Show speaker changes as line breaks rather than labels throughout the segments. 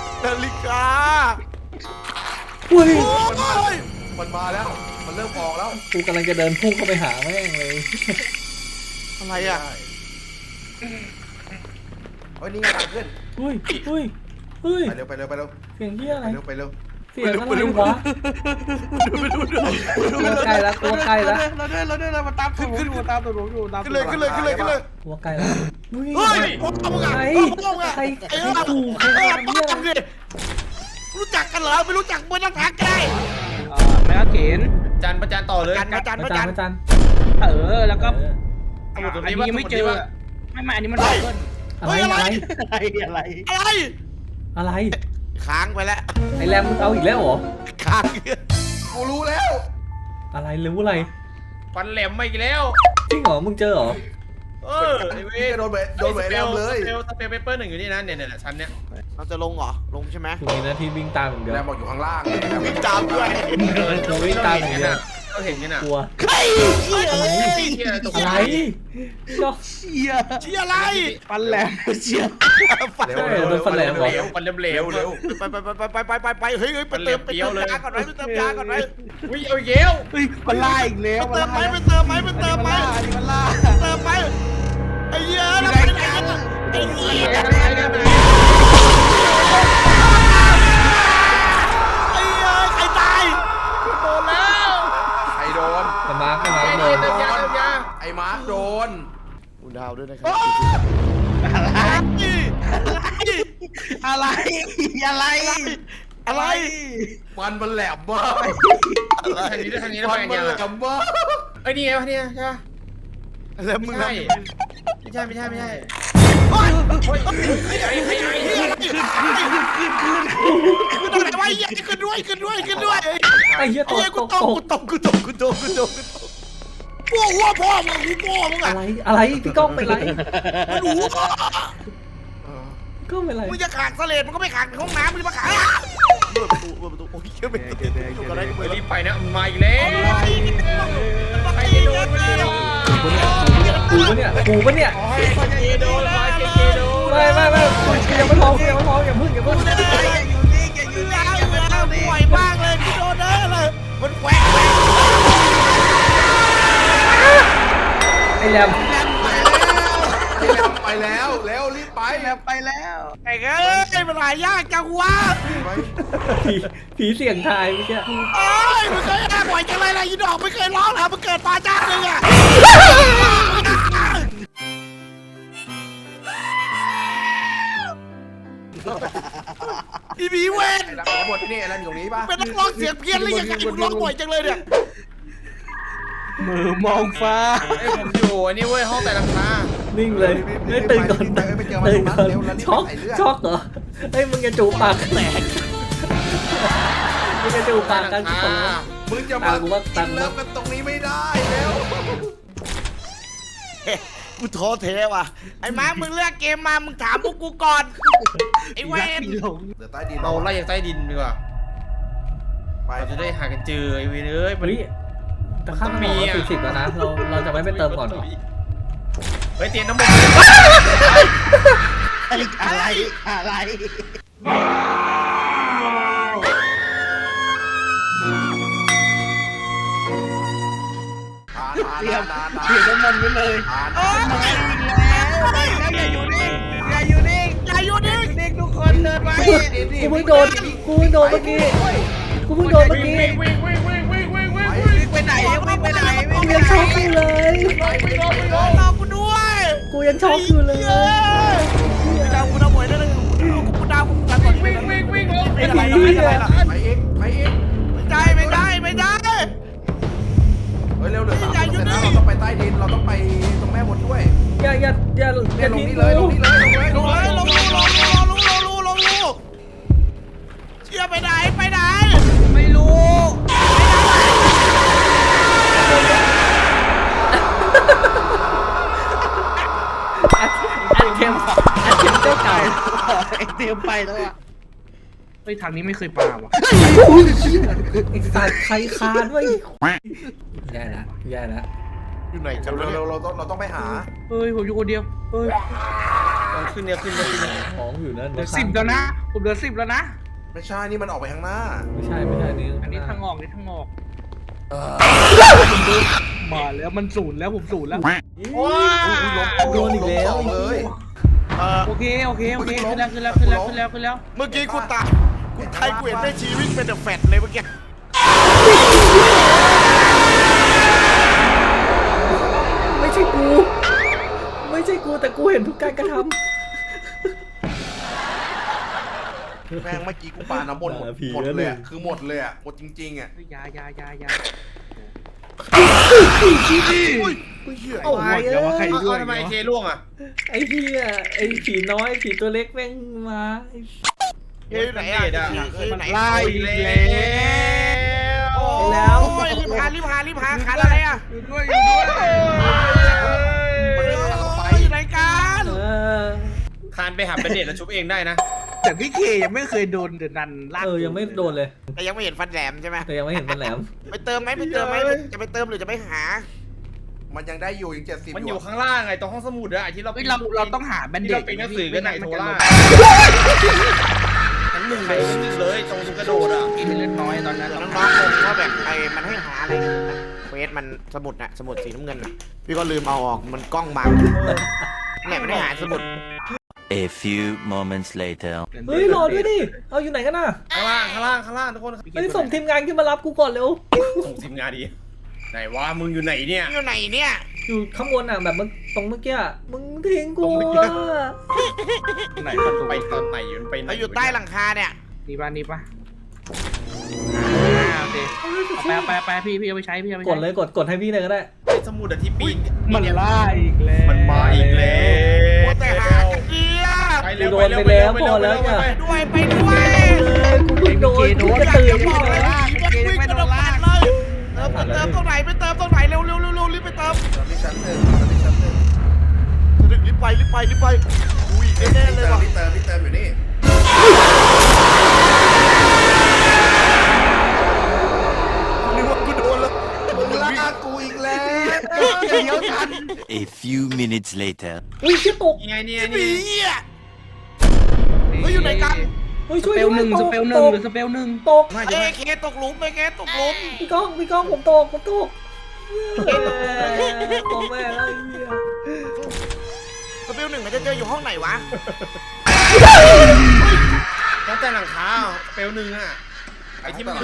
นาฬิกา
อุ้ย
โอ้ย
มันมาแล้ว มันเริ่มออกแล้ว
กูกำลังจะเดินพุ่งเข้าไปหาแม่งเลย
อะไรอ่ะ
เฮ้ยนี่ไงทางขึ้น
อุ้ยอุ้ยอุ้ย
ไปเร็วไปเร็วไปเร็ว
เสียงเหี้ยอะไร
ไปเร็วไปเร็ว
เสียงอะไรวะตัวใกล้แล้วตัวใกล้แล้ว
เราเดินมาตามตัวผมอยู่ตามตัวผมอยู่ตาม
ขึ้นเลยขึ้นเลยขึ้นเลยขึ้นเลย
ตัวใกล้แล้วอุ้ย
เฮ้ยพ่อมึงอ่ะ
ใคร
พ่อมึงอ่ะ
ใคร
ไอ้
ใคร
เหี้ย
กูใคร
เออ
ทำ
พ่อ
เหี้ยอะ
มึง
ไร
ดิรู้จักกันเหรอไม่รู้จักไม่ต้องทักก็ได้
แม่เข็น
จันประจันต่อเลย
กันมาจัน
มา
มา
จา
จั
น
น
มาจาน
แล้วก็
เออ
อันนี้ยังไม่เจอไม่อันนี้มันเบิ้ล
อะไรอะไร
อะไร
อะไร
อะไร
ค้างไปแล้ว
ไอแรมมึงเอาอีกแล้วเหรอ
ค้าง
กูรู้แล้ว
อะไรรู้อะไร
ฟันแหลมมาอีกแล้ว
จริงเหรอมึงเจอเหรอ
ไอ้เว้ยโดนเบะแรมเลยสเปลเปเปอร์หนึ่งอยู่นี่นะเนี่ยชั้นเนี้ย
เราจะลงเหรอลงใช่ไหม
กูมีหน้าที่วิ่งตามอย่างเดียว
แรมบอกอยู่ข้างล่าง
วิ่งตามด้วย
กูวิ่งตามอย่างเดียว
เราเห็นกันอ่ะ
กลัว
ใครเชี่ย
อะไร อะไรก็
เชี่ย
เชี่ยอะไร
ฟันแหลมเชี่ย
ฟัน
ฟันแหลมเหลวเร็ว
ไปเฮ้ยไปเติมยาก่อนไหมไปเติมยาก่อนไหม
วิ่งเอาเย้ว
เฮ้ยมันล่าอีกแล้ว
ไปเติมไหมไปเติมไหมไปเติมไหม
มันล่า
เติมไหมไอ้เหี้ยแล้วไปไหนกันไอ้เหี้ยไอ้เหี้ยใครตาย
โดนแล้วไอ้โดน
แต่มาร์กไม่มาร์กโดน
ไอ้มาร์คโดน
คุณดาวด้วยนะครับ
อะไรอะไร
อะไร
ฟันมันแหลมมาก
อะไร
ทางนี้ฟันมันแหลมมากไอ้นี่ไงวะเนี่ยใช่ปะ
แล้วมึง
ไม่
ทำ
ใช่ไม่ใช่
โอ๊ย
เฮ้ยไอ้
ขึ้นอะไรวะเหี้ยขึ้นด้วย
ไอ้เหี้ย
ไอ้เหี้ยกูตกหัวพ่อมึงกูพ่อมึง
อะ
อ่ะ
ไรอะไรพี่ก้องเป็นไร
มันหัว
ก็เป็นไร
มึงจะขากเสลดมันก็ไม่ขากในห้องน้ำมึงจะมาขากเปิดประตูโอ้ยเชื่อเป็นอยู่กันได้ก็
ไป
เปิด
รีบไปนะมาอีกแล้วใครจะโดนมันเนี่ย
กูปะเนี่ยกูปะเนี่ย
ใครจะโดนใครจะโดน
ไม่ยังไม่พร้อมอย่าเพิ่ง
อยู่ได้ป่วยมากเลยพี่โดนเด้อเลยมันแหวก
ไอ้แรม
ไปแล้วแล้วรีบไป
ไปแล้ว
ไอ้เอ้ยมันหายากจังวะ
ผีเสียงทายเมื่อกี้
เอ้ยมันเคยน่าบ่อยจังเลยนะยีดอกไม่เคยร้องเหรอมันเกิดมาจ้าเลยอ่ะอีบีเวน
หลังบทนี่อะไรอยู่ตรงนี้ป่ะ
เป็นนักร้องเสียงเพี้ยนเลยยังไงมึงร้องบ่อยจังเลยเนี่ย
มือมองฟ้า
ไอ้ผมอยู่นี่เว้ยห้องแต่ลังคา
นิ่งเลยไม่ตื่นก่อนตื่นก่อนช็อกเหรอเฮ้ยมึงจะจูบปากแตกมึงจะจูบปากกันทุกคนแล้ว
มึงจะมาเลิกกันตรงนี้ไม่ได้แล้ว
กูท้อแท้ว่ะไอ้มาร์คมึงเลือกเกมมามึงถามพวกกูก่อนไอ้เวน
เดี๋ยวใต้ดินเราไล่อย่างใต้ดินดีกว่าไปจะได้หากันเจอไอ้เวนเอ้ยมัน
เฮ้ยแต่ข้ามมี40แล้วนะเราจะไม่ไปเติมก่อนเหรอ
เฮ้ยเตียนน้ำมัน
อะไรเตรียมน้ำมันไว้เลยโอ้ยอย่าอยู่นิ่งทุกคนเดินไป
กูเพิ่งโดนเมื่อกี้
วิ่งไปไหน
กูยังช็อกอยู่เลย
รอกูด้วย
กูยังช็อกอยู่เลย
ดาวกูดาวหมวยได้เลยกูดาวกูกันก่อนวิ่งไม่ได้ไปเองไม่ได้
เฮ้ยเร็วเลย3เสร็จแล้วเราต้องไปใต้ดินเราต้องไปตรงแม่บนด้วย
อย่า
ลง
ทิ้ง
นี่เลยลงนี่เลยลงเลย
ลงเชี่ยไปไหนไม่รู้
อัดเข็มเจ้าเก่า
เตรียมไปแล้วอ่ะ
เฮ้ยทางนี้ไม่เคยปาว่ะ
ไอ้สัตว์ใครคาด้วยแย่ละ
อยู่ไหนกัน
เร็วเราต้องไปหา
เฮ้ยผมอยู่คนเดียวเฮ้ย
ขึ้น
ของอยู่นั่น
เหลือ10แล้วนะผมเหลือ10แล้วนะ
ไม่ใช่นี่มันออกไปข้างหน้า
ไม่ใช่นี่
อันนี้ทางออกมาแล้วมัน0แล้วผม0แล้ว
โดนอีกแล้ว
เลย
โอเคขึ้นแล้ว
เมื่อกี้กูตายกูเห็นแม่ชีวิ่งเป็นเดอะแฟตเลยเมื่อกี้
ไม่ใช่กูแต่กูเห็นทุกการกระทำ
แม่งเมื่อกี้กูปาน้ำมนต์หมดเลยคือหมดเลยอ่ะหมดจริงๆอ่ะ
ยา
โอ้ย
เดี๋ยวว่าใคร
ทำไมเคล่วงอ่ะ
ไอ้เหี้ยไอ้ผีน้อยผีตัวเล็กแม่งมา
เฮ้ยไหนอ่ะไหน
ไล่อีกแล้ว
โอ้ยรีบหาขาอะไรอ่ะ
อยู่ด้วย
อยู่ไหนกัน
คานไปหาเป็นเด็ดแล้วชุบเองได้นะ
แต่พี่เคยังไม่เคยโดนเดือดนันลาก
ยังไม่โดนเลย
แต่ยังไม่เห็นฟันแหลมใช่ไหม
แต่ยังไม่เห็นมันแหลม
ไปเติมไหมจะไปเติมหรือจะไปหา
มันยังได้อยู่ยัง70มันอยู่ข้างล่างไงตรงห้องสมุดอะที่เรา
เราต้องหาแบนเด
ที่
ด
เราเป็นหนังสือกันไหนโทล่าทั้งหนึ่งเลยตรงกระโดดอ่ะ
กินเล็กน้อยตอนนั้น
น้องๆคงว่าแบบมันให้หาอะไรนะเควสมันสมุดสีน้ำเงินพี่ก็ลืมเอาออกมันกล้องบังเนี่ยไม่ได้หาสมุด
A few moments later.
เฮ้ยรอด้วยดิเอาอยู่ไหนกันน่ะ
ข้างล่างทุกคน
เฮ้ยส่งทีมงานขึ้นมารับกูก่อนเร็ว
ส่งทีมงานดีไหนวะมึงอยู่ไหนเนี่ย
อยู่ไหนเนี่ย
อยู่ข้างบนอ่ะแบบมึงตรงเมื่อกี้มึงทิ้งกูอ่ะ
ไหนประตู
ไปตอนไหนมันไปไหน
เราอยู่ใต้หลังคาเนี่ย
นี่ป่ะโอเคไปพี่เอาไปใช้
กดเลยกดให้พี่เลยก็ได้
ไอ้สมุดที่ปีน
มันล่าอีกแล้ว
มันมาอีกแล้ว
แต่หากันเดีย
ไปเร็วไป
ด้วย
กูเพิ่งโดนกูจะ
อยาก
ตื่น
จะบอกเลยว่าวิ่งกระโดดลากเลยเติมตรงไหนไปเติมตรงไหนเร็วรีบไปเติม
ที่ชั้นหนึ่ง
ถึงรีบไปอุ้ยแน่เลยว่ะ
ที่เติมอยู่นี่
นึกว่ากูโดนแล้ว
มึงลากกูอีกแล้ว
เดี๋ยวทัน
A few minutes later.
อุ้ยชิตก
ยังไงเนี่ย
หนีอ่ะเฮ้ยอยู่ไหนกัน
เฮ้ยช่วย
สเปลหนึ่ง
ตก
ตก
เอ้เคตกหลุมไปเคตกหลุม
พี่ก้องผมตกของแม่แล้วไอ้เหี้ย
สเปลหนึ่งมันจะเจออยู่ห้องไหนวะ
ตั้งแต่หลังคาเปลวหนึ่งอ่ะไอ้ที่มัน
ไป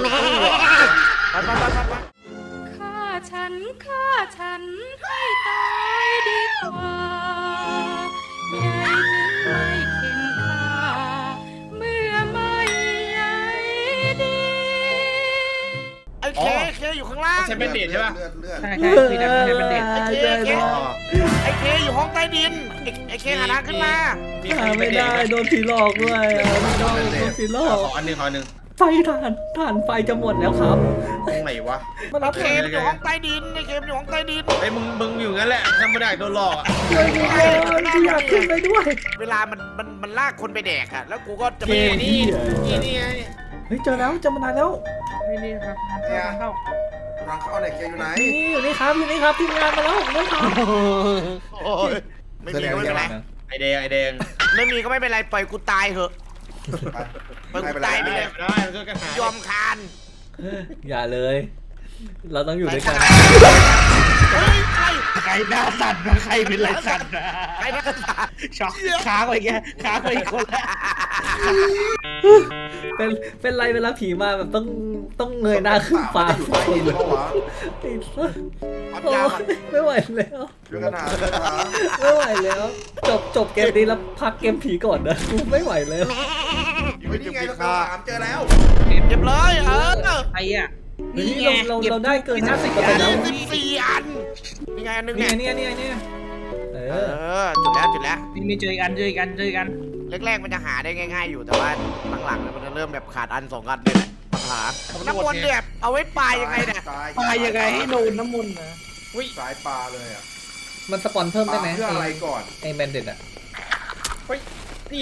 ฆ่าฉันให้ตายดีกว่าอย่าให้เข็นฆ่าเมื่อไม่ใหญ่ดี
ไอ้เคอยู่ข้างล่าง
ใช้เป็นเดชใช่ป่ะ
ใช่พี่นะใช้เป็นเด็ก
ไอ้เคอยู่ห้องใต้ดินไอ้เคหาทางขึ้นมา
หาไม่ได้โดนผีหลอกด้วยพี่ก้องโดนผีหลอก
ขออันหนึ่ง
ไฟถ่านไฟจะหมดแล้วครับ
ตรงไหนวะ
มารับ
เกมอยู่ห้องใต้ดินไอ้เกมอยู่ห้องใต้ดิน
ไอ้มึงอยู่งั้นแหละทำไม่ได้โดนหลอกอะ
ช่วยกูเลยกูอยากขึ้นไปด้วย
เวลามันลากคนไปแดกอะแล้วกูก็จะ
เก
ไม่
ม
นี่ไง
เฮ้ยเจอแล้วเจอมานานแล้ว
นี่ครับเข้า
รังเข้าไหนเกมอยู่ไหน
นี่อยู่นี่ครับทีมงานมาแล้วผมต้องทำ
โอ้ยไม่มีก็ไม่เป็นไร
ไอแดง
ไม่มีก็ไม่เป็นไรปล่อยกูตายเถอะปล่อยกูตายไปเลย
ได้มันก็กระหาย
ยอมคาน
อย่าเลย เราต้องอยู่ด้วยกัน
เฮ้ยใคร
ใครหน้าสั่นนะใครเป็นไรสั่นนะ
ใครนักศึกษา
ช็อกค้างไปแกค้างไปอีกคนละ
เป็นไรเวลาผีมาแบบต้องเงยหน้าขึ้นฟ้า
อยู่ใต้ดินเพราะว่า
ติด
ปั๊ม
โอ้
ยาก่อน
ไม่ไหวแล้ว
เรื่องกันหาเรื่องกันหา
ไม่ไหวแล้ว จบเกมนี้แล้วพักเกมผีก่อนนะกูไม่ไหวแล้ว
อยู่นี่ไงเราถามเจอแล้ว
เก็บเลย
ไอ้อะ
เฮ้ยเราได้เกิน 50%
อัน
แล้ว
14อันนี่ไงอันนึง
เนี่
เนี่ย ย
เนี่ยเอ
เอ
อ
อจุดแล้ว
นี่เจออีกอันเจออีกอันเจออีกอัน
แรกๆมันจะหาได้ง่ายๆอยู่แต่ว่าหลังๆมันจะเริ่มแบบขาดอัน2อันเนี่ยแหละปัญหาน้ำมนต์เนี่ยเอาไว้ปลายยังไงเนี่ย
ปลายังไงให้โดนน้ำมนต์นะ
สายปลาเลยอ่ะ
มันสปอนเพิ่มได้ไหม
เพื่ออะไรก่อน
ไอแมนเด็ดอะ
นี่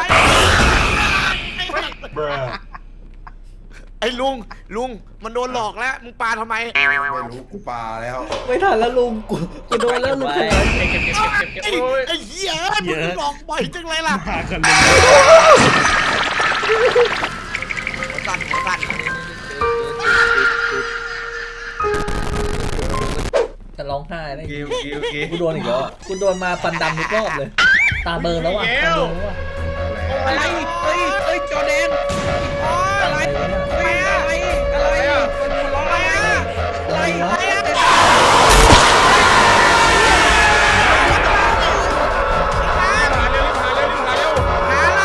ไอ้ลุงมันโดนหลอกแล้วมึงปาทำไม
ไม่รู้กูปลาแล้ว
ไม่ทันแล้วลุงกูโดนแล้วลุงเขย
ไอ้เหี้ยมึงหลอกบ่อยจังเลยล่ะ
มากันเลย
หัวสั่น
จะร้องไห้ได้
โอเค
กูโดนอีกแล้วอะกูโดนมาฟันดำทุกรอบเลย ตาเบลอแล้วอ่ะตาเบลอแล้วอ่ะ
อะไรเฮ้ยจอแดน
อะไรวะเนี่ย
อะไรคนร้องอะไรอะไร
หาอะไร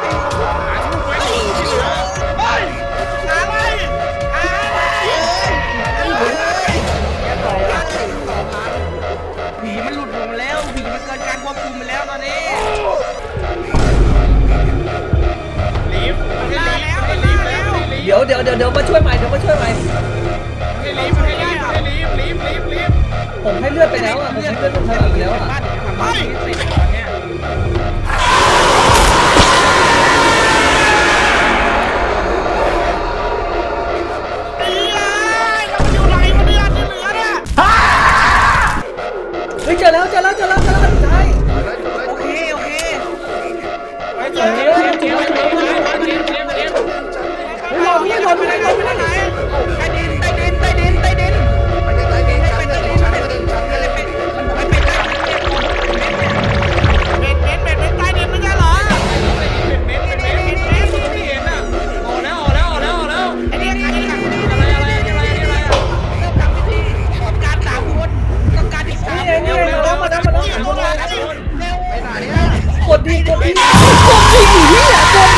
ผีมันหลุดลงแล้วผีมันเกินการควบคุมไปแล้วตอนนี้
เดี๋ยวมาช่วยใหม่ผมให้เลือดไปแล้วอ่ะผมให้เลือดผมเท่าไหร่ไปแล้วอ่ะ
บ้านทำบ้านนี้เสร็จตอนเนี้ย
เฮ้ยเจอแล้วใช่
โอเค
เราพี่เราไปไหนเราไปไหน
ใต้ดินใต้ดินใต้ดินใต้ดิน
ไปใต้ดินชั้นหนึ่งชั้นหนึ่งชั้นหนึ่ง
เป็นใต้ดินไม่ใช่เหรอไอ้เนี่ยใครเนี่ย
การสามคนต้องการอีกสาม
นี่มาแล้ว
ไปไหนเนี่ย
กดดีอยู่นี่แหละกด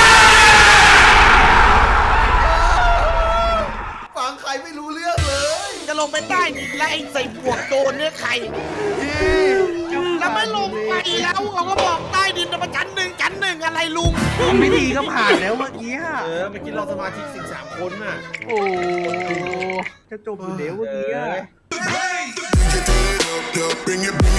ฟังใครไม่รู้เรื่องเลย
จะลงไปใต้ดินแล้วไอ้ใส่หมวกโจรเนี่ยใครแล้วไม่ลงไปแล้วเขาก็บอกใต้ดินมันชั้นหนึ่งอะไรลุง
พิธีก็ผ่านแล้วเมื่อกี้
เมื่อกี้เราสมาธิสิง3 คนน่ะ
โอ้จะจบอยู่แล้วเมื่อกี้
Bring it